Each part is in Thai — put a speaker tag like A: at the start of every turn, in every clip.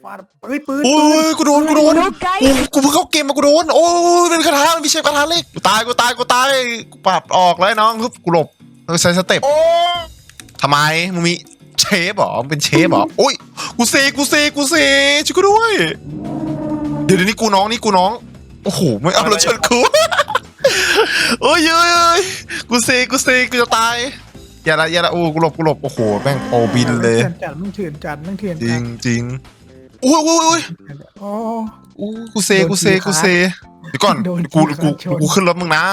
A: ฟาดปืน
B: โอ้ยกูโดนกูเพิ่งเข้าเกมมากูโดนโอ้ยเป็นคาถามันมีเชฟคาถาเล็กกูตายกูปาดออกแล้วน้องกูหลบต้องใช้สเต็ปทำไมมึงมีเชฟหรอเป็นเชฟหรอโอ้ยกูเซช่วยกูด้วยเดี๋ยวนี้กูน้องโอ้โหไม่เอารถชนกูโอ้ยกูเซกูจะตายอย่าละโอ้กูหลบโอ้โหแม่งโอบินเลย
A: มึงเถื่อนจัด
B: จริงโอ้ย
A: โอ้
B: กูเซเดี๋ยวก่อนกูขึ้นรถมึงนะ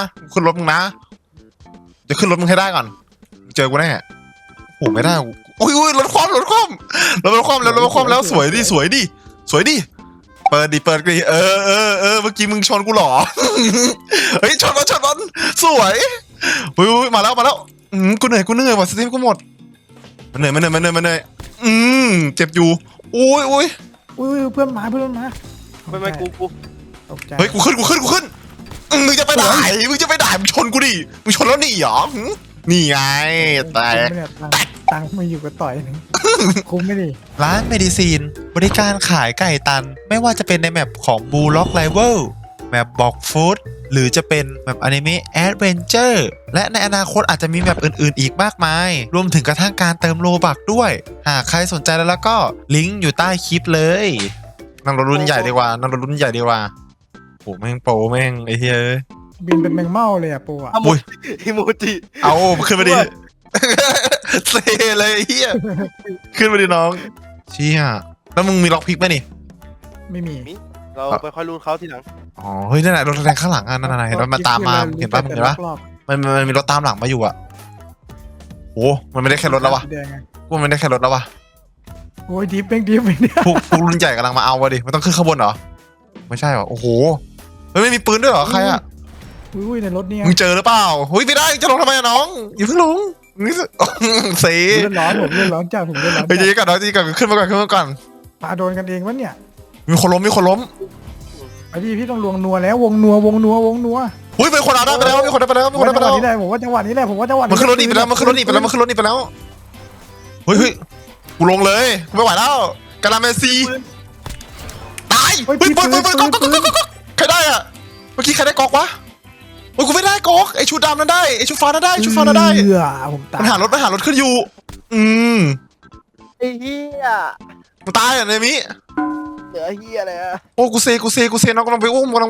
B: จะขึ้นรถมึงให้ได้ก่อนเจอกูแน่โอ้ไม่ได้โอ้ยรถคว่ำแล้วสวยดิเปิดดิเมื่อกี้มึงชนกูหรอเฮ้ยชนมันสวยมาแล้วกูเหนื่อยว่ะสติกูหมดมันเหนื่อยเจ็บอยู่โอ้ย
A: เพื่อนมา
C: ไม่กู
B: เฮ้ยกูขึ้นมึงจะไปไหนมึงชนกูดิมึงชนแล้วนี่หรอนี่ไงแต่
A: ตังมาอยู่กับต่อยนึงคุ้มไม่ดี
B: ร้านเมดิซีนบริการขายไก่ตันไม่ว่าจะเป็นในแมปของบูล็อกไลเวลแมปบอกฟู้ดหรือจะเป็นแมปอนิเมะแอดเวนเจอร์และในอนาคตอาจจะมีแมปอื่นๆอีกมากมายรวมถึงกระทั่งการเติมโลบักด้วยหากใครสนใจแล้วก็ลิงก์อยู่ใต้คลิปเลยนั่งรถรุ่นใหญ่ดีกว่าโอ้แม่งโปแม่งไอ้เฮ้ย
A: บินเป็นแมงเม่าเลยอะปูอะ
B: อุ้ย
C: อิโมจิ
B: เอาขึ้นมาดิเซเลยเฮียขึ้นมาดิน้องเชี่ยแล้วมึงมีล็อกพิกไหมนี่
A: ไม่มี
C: เราไปค่อยรู้เขาทีหลัง
B: อ๋อเฮ้ยนั่นแหละรถแรงข้างหลังนั่นเห็นรถมาตามมาเห็นป่ะมันมีรถตามหลังมาอยู่อ่ะโอ้มันไม่ได้แค่รถแล้ววะกูมันไม่ได้แค่รถแล้ววะ
A: โอ้ยดิฟเนี่ย
B: พวกรุ่นใหญ่กำลังมาเอาวะดิมันต้องขึ้นข้างบนเหรอไม่ใช่หรอโอ้โหเฮ้ยไม่มีปืนด้วยเหรอใครอ่ะ
A: อุ้ยในรถเนี่ย
B: มึงเจอหรือเปล่าเฮ้ยไม่ได้จะลงทำไมน้องอย่าเพิ่งลงนี่เซ่
A: เลื่อนร้อนจ้าผมเลื่อนร้อน
B: ไปจีก่อนขึ้นมาก่อน
A: ปาโดนกันเองวะเนี่ย
B: มีคนล้ม
A: ไอ้พี่ต้องลวงนัวแล้ววงนัว
B: หุ้ยเป็นคนเอาได้ไปแล้วมีคนได้ไปแล้ว
A: นี่แหละผมว่าจังหวะนี้แหละ
B: มันขึ้นรถหนีไปแล้วเฮ้ยกูลงเลยกูไม่ไหวแล้วกาลาเมซีตายเฮ้ยปืนใครได้อ่ะเมื่อกี้ใครได้กอกวะโอ้ยกูไม่ได้กอกไอชุดดำนั้นได้ไอชุดฟ้านั้นได้
A: ผมตาย
B: มันหารถขึ้นอยู่
C: ไอ้เหี้ย
B: มันตายอ่ะเนมิ
C: เหลือเหี้ยอะไรอ่ะ
B: โอ้กูเซน้องกำลังไปอุ้มอุ้ม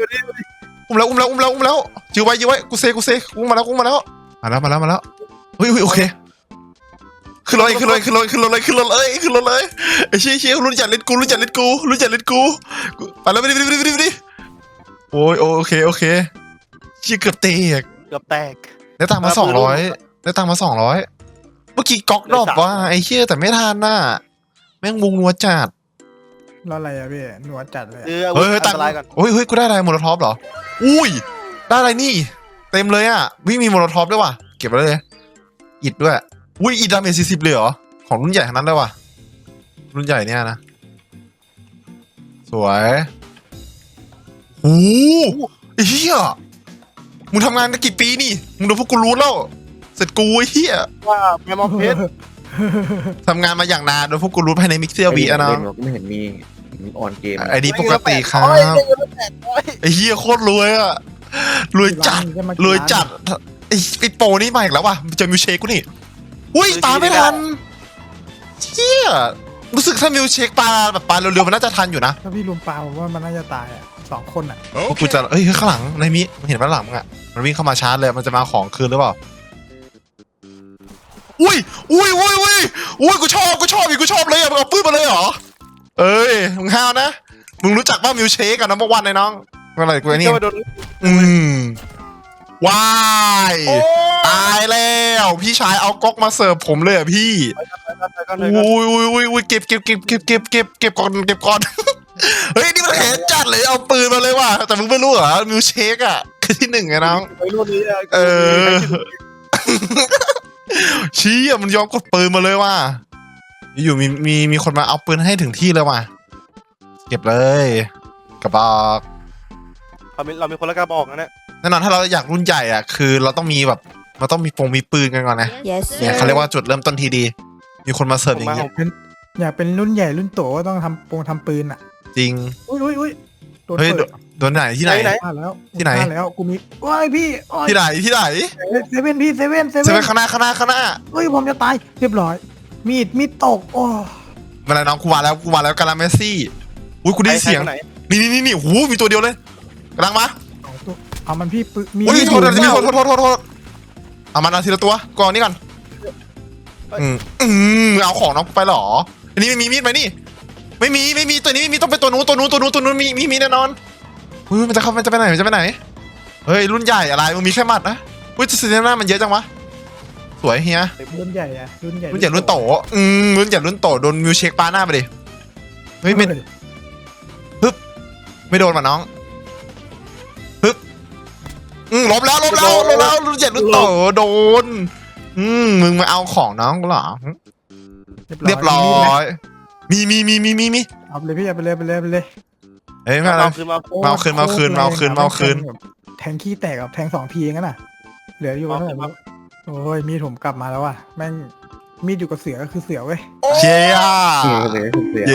B: แล้วยื้อไว้กูเซอุ้มมาแล้วเฮ้ยโอเคขึ้นรถเลยไอ้เชี่ยรุ่นจัดเล่นกูไปแล้วไปดิโอ้ยโอเคเชี่ยเกือบแตกได้ตังค์มา200เมื่อกี้ก๊อกดรอปว่าไอ้เชี่ยแต่ไม่ทันน่ะแม่งวงนัวจัด
A: แล้วอะไรอะพี่นัวจัดเลย
B: เฮ้ยตังค์เฮ้ยกูได้อะไรโมโลท็อปเหรออุ้ยได้อะไรนี่เต็มเลยอ่ะวิ่งมีโมโลท็อปด้วยว่ะเก็บไว้เลยอิดด้วยอุ้ยอิดดาเมจ40เลยเหรอของรุ่นใหญ่ทั้งนั้นเลยว่ะรุ่นใหญ่เนี่ยนะสวยโอ้ไอ้เหี้ยมึงทำงานกันกี่ปีนี่มึงโดนพวกกูรู้แล้วเสร็จกูไอ้เหี้ย
C: ว่าแมมมอเพชร
B: ทำงานมาอย่างนานโดนพวกกูรู้ภายในมิกเซียวีอะนะ
D: ไม่เห็นมีออนเกม
B: ไอ้นี่ปกติครับไอ้เหี้ยโคตรรวยอะรวยจัดไอ้โปนี่มาอีกแล้วว่ะเจอมิวเชคกูนี่อุ้ยตามไม่ทันเชี่ยรู้สึกถ้ามิวเชคปลาแบบปลาเร็วๆมันน่าจะทันอยู่นะ
A: ถ้าพี่ลุมปลาผมว่ามันน่าจะตายอ่ะ2 คนอ่ะ
B: พวกกูจะข้างหลังในมิเห็นด้านหลังมึงอ่ะมันวิ่งเข้ามาชาร์จเลยมันจะมาของคืนหรือเปล่าอุ้ยกูชอบเลยอ่ะมึงเอาปืนมาเลยเหรอมึงห้าวนะมึงรู้จักป่ะมิวเชคกับนัมเบอร์วันไอ้น้องอะไรกูไอ้นี่ว้ายตายแล้วพี่ชายเอาก๊อกมาเสิร์ฟผมเลยอ่ะพี่อุ้ยเก็บก่อนเฮ้ยนี่มันแขนจัดเลยเอาปืนมาเลยว่ะแต่มึงไม่รู้เหรอมิวเชคอ่ะคือที่1ไงน้องชี้อ่ะมันยอมกดปืนมาเลยว่ะอยู่มีคนมาเอาปืนให้ถึงที่เลยว่ะเก็บเลยกระบอก
C: เรามีคนละกระบอกนะเนี่ย
B: แน่นอนถ้าเราอยากรุ่นใหญ่อ่ะคือเราต้องมีแบบมันต้องมีปืนกันก่อนนะเนี่ยเขาเรียกว่าจุดเริ่มต้นทีดีมีคนมาเสิร์ฟอย่างนี้
A: อยากเป็นรุ่นใหญ่รุ่นโตก็ต้องทำปืนอ่ะ
B: จริง
A: อุ้ยโดน
B: เฮ้ย
A: เปิด
B: โดนไหนที่ไหน
A: พลาดแล้ว
B: ที่ไหน
A: พลาดแล้วกูมีโอ้ยพี่โอ้ย
B: ที่ไหนที่ไหน
A: เซเว่นพี่เซเว่น
B: เซเว่นข้างหน้าข้างหน้าข้างหน้า
A: เฮ้ยผมจะตายเรียบร้อย มีดตกโอ้
B: เวลาน้องกูมาแล้วกาลาเมซี่อุ้ยกูได้ยินเสียง
C: ใครคนไหน
B: นี่หูมีตัวเดียวเลยกำลังมา
A: สองตัวเอามันพี่ปืนมี
B: อุ้ย
A: มีด
B: โทษ
A: อยู่
B: โทษเอามันเอาทีละตัวก่อนนี่ก่อนเอาของน้องกูไปเหรออันนี้ไม่มีมีดไหมนี่ไม่มีตัวนี้ไม่มีต้องเป็นตัวนู้นมีแน่นอนมันจะไปไหนเฮ้ยรุ่นใหญ่อะไรมึงมีแค่หมัดนะอุ้ยซีเนน่ามันเยอะจังวะสวยเฮีย
A: รุ่นใหญ่อะรุ่นใหญ่
B: รุ่นใหญ่รุ่นโตรุ่นใหญ่รุ่นโตโดนมิวเชคปาหน้าไปดิเฮ้ยไม่โดนมาน้องปึ๊บล้มแล้วรุ่นใหญ่รุ่นโตโดนมึงมาเอาของน้องกูเหรอเรียบร้อยมี
A: เอาไปเลยพี่เอาไปเลย
B: เฮ้ยไม่เอา
C: คือมา
B: มาคืน
A: แทงขี้แตกกับแทง2 ทีเองนะเหลืออยู่เท่าไหร่โอ้ยมีดผมกลับมาแล้วว่ะแม่งมีดอยู่กับเสือก็คือเสือเว้ย
B: เชีย
D: เลยเสีย
B: เย้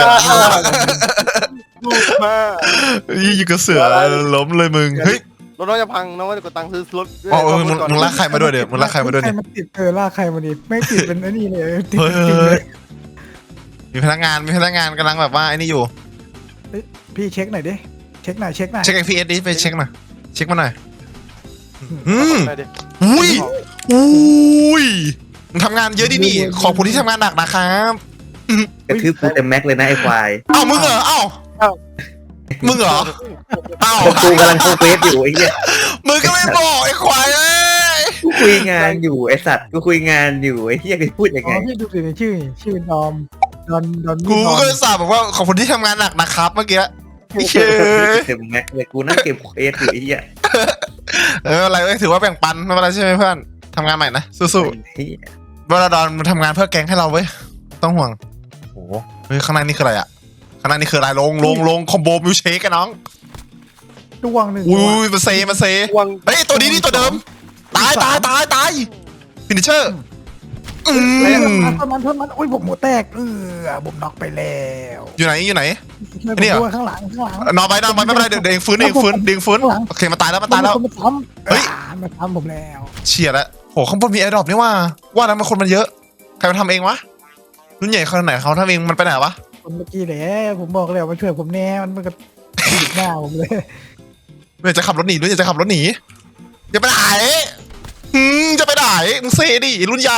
C: ลูกมา
B: ยี่กับเสือล้มเลยมึงเฮ้ย
C: รถน้องจะพังน้องก็จะกดตังค์ซื้อรถ
B: อ๋อมึงลากใครมาด้วยเดี๋ยวมึงลากใครมาด้วย
A: ใคร
B: เนี่ย
A: มาติดลากใครมาดิไม่ติดเป็นไอ้นี่เลยติด
B: เฮ้
A: จริงเลย ย
B: มีพนักงานกำลังแบบว่าไอ้นี่อยู่
A: พี่เช็คหน่อยดิเช็คหน่อย
B: เช็คไอพีเอสดิไปเช็คมาเช็คมาหน่อย
C: ได้ดิ
B: อุ้ยมึงทำงานเยอะดินี่ขอบคุณที่ทำงานหนักนะครับ
D: กระทืบกูเต็มแม็กเลยนะไอ้ควาย
B: เอ้ามึงเหรอเอ้ามึงเหรอเอ้า
D: กูกำลังโฟเฟสอยู่ไอ้เหี้ย
B: มึงก็ไม่บอกไอ้ควายเอ้ย
D: กูคุยงานอยู่ไอ้สัตว์กูคุยงานอยู่ไอ้เหี้ยกูพูดยัง
A: อ๋
D: ไง
A: อพี่ดูสิในชื่อดอม
B: กูก็เลยสาบบอกว่าขอบคุณที่ทำงานหนักนะครับเมื่อกี้พี่เชย
D: เต็มแม็กเลยกูนั่งเก็บเอสอยู่ไอ้เหี้ย
B: อะไรถือว่าแบ่งปันไม่เป็นไรใช่ไหมเพื่อนทำงานใหม่นะสู้
D: เหี้ย
B: ๆเวลาดอนมันทำงานเพื่อแก๊งให้เราเว้ยต้องห่วงโอ้โหเฮ้ยข้างในนี่คืออะไรอ่ะข้างในนี่คืออะไรลงคอมโบมิวเชคกันน้อง
A: ดวงหนึ่ง
B: อุ้ยมาเซ
C: วาง
B: เฮ้ยตัวนี้นี่ตัวเดิมตายฟินิชเชอร์
A: มันโอ้ยผมหัวแตกผมน็อกไปแล้ว
B: อยู่ไหน
A: ช่วยผมด้วยข้างหลัง
B: นอนไปไม่เป็นไรเดี๋ยวเองฟื้นโอเคมาตายแล้ว
A: มาทำ
B: เฮ้ย
A: มาทำผมแล้ว
B: เฉียดแล้วโหข้างบนมีแอร์ดรอปนี่ว่าแล้วมันคนมันเยอะใครมาทำเองวะรุ่นใหญ่คนไหนเขาทำเองมันไปไหนวะ
A: คนเมื่อกี้แหละผมบอกแล้วมาช่วยผมแน่มันก็ติดหน้าผมเลย
B: รุ่นใหญ่จะขับรถหนีจะไปไหนจะไปไหนมึงเซดิรุ่นใหญ่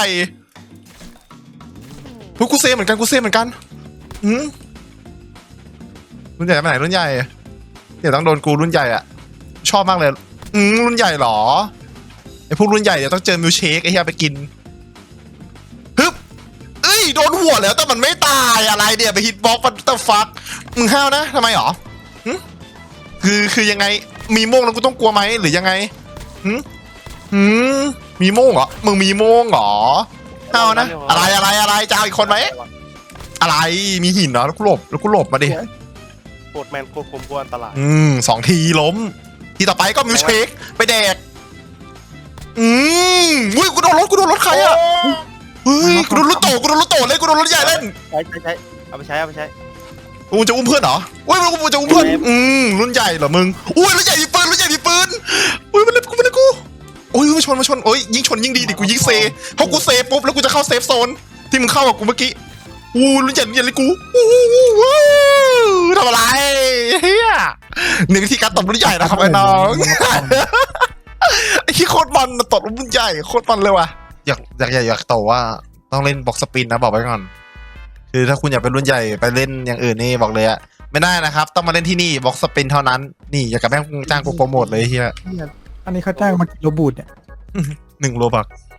B: กูเซเหมือนกันรุ่นใหญ่ไปไหนรุ่นใหญ่เดี๋ยวต้องโดนกูรุ่นใหญ่อ่ะชอบมากเลยรุ่นใหญ่หรอไอพวกรุ่นใหญ่เดี๋ยวต้องเจอมิลเชคไอ้เหี้ยไปกินฮึบเอ้ยโดนหัวแล้วแต่มันไม่ตายอะไรเดี๋ยวไปฮิตบ็อกมันตะฟักมึงห้าวนะทำไมหรอคือยังไงมีโม่งแล้วกูต้องกลัวไหมหรือยังไงมีโม่งเหรอมึงมีโม่งเหรอห้าวนะอะไรจะเอาอีกคนไหมอะไรมีหินเหรอแล้วกูหลบมาดิ
C: โคตรแมนโคตรคมกวนอันตราย
B: 2 ทีล้มทีต่อไปก็มิวเชคไปแดกอุ้ยกูโดนรถใครอ่ะเฮ้ยกูโดนรถโตเลยกูโดนรถใหญ่เล่น
C: ใช้เอาไปใช้
B: กูจะอุ้มเพื่อนเหรออุ้ยกูจะอุ้มเพื่อนรุ่นใหญ่เหรอมึงอุ้ยรุ่นใหญ่มีปืนอุ้ยมันเล็บกูโอ้ยมาชนโอ้ยยิงชนยิงดีดิกูยิงเซเพราะกูเซปุ๊บแล้วกูจะเข้าเซฟโซนที่มึงเข้ากับกูเมื่อกี้รุ่นใหญ่เลยกูทำอะไรเฮียหนึ่งวิธีการตบรุ่นใหญ่นะครับไอ้น้องไอ้ที่โคตรมันตบรุ่นใหญ่โคตรมันเลยว่ะอยากโตว่าต้องเล่นบ็อกสปินนะบอกไว้ก่อนคือถ้าคุณอยากเป็นรุ่นใหญ่ไปเล่นอย่างอื่นนี่บอกเลยอะไม่ได้นะครับต้องมาเล่นที่นี่บ็อกสปินเท่านั้นนี่อยากกับแม่งจ้างกูโปรโมทเลยเฮีย
A: อันนี้เขาจ้างมากิโลบูดเนี่ย
B: 1 โลบัก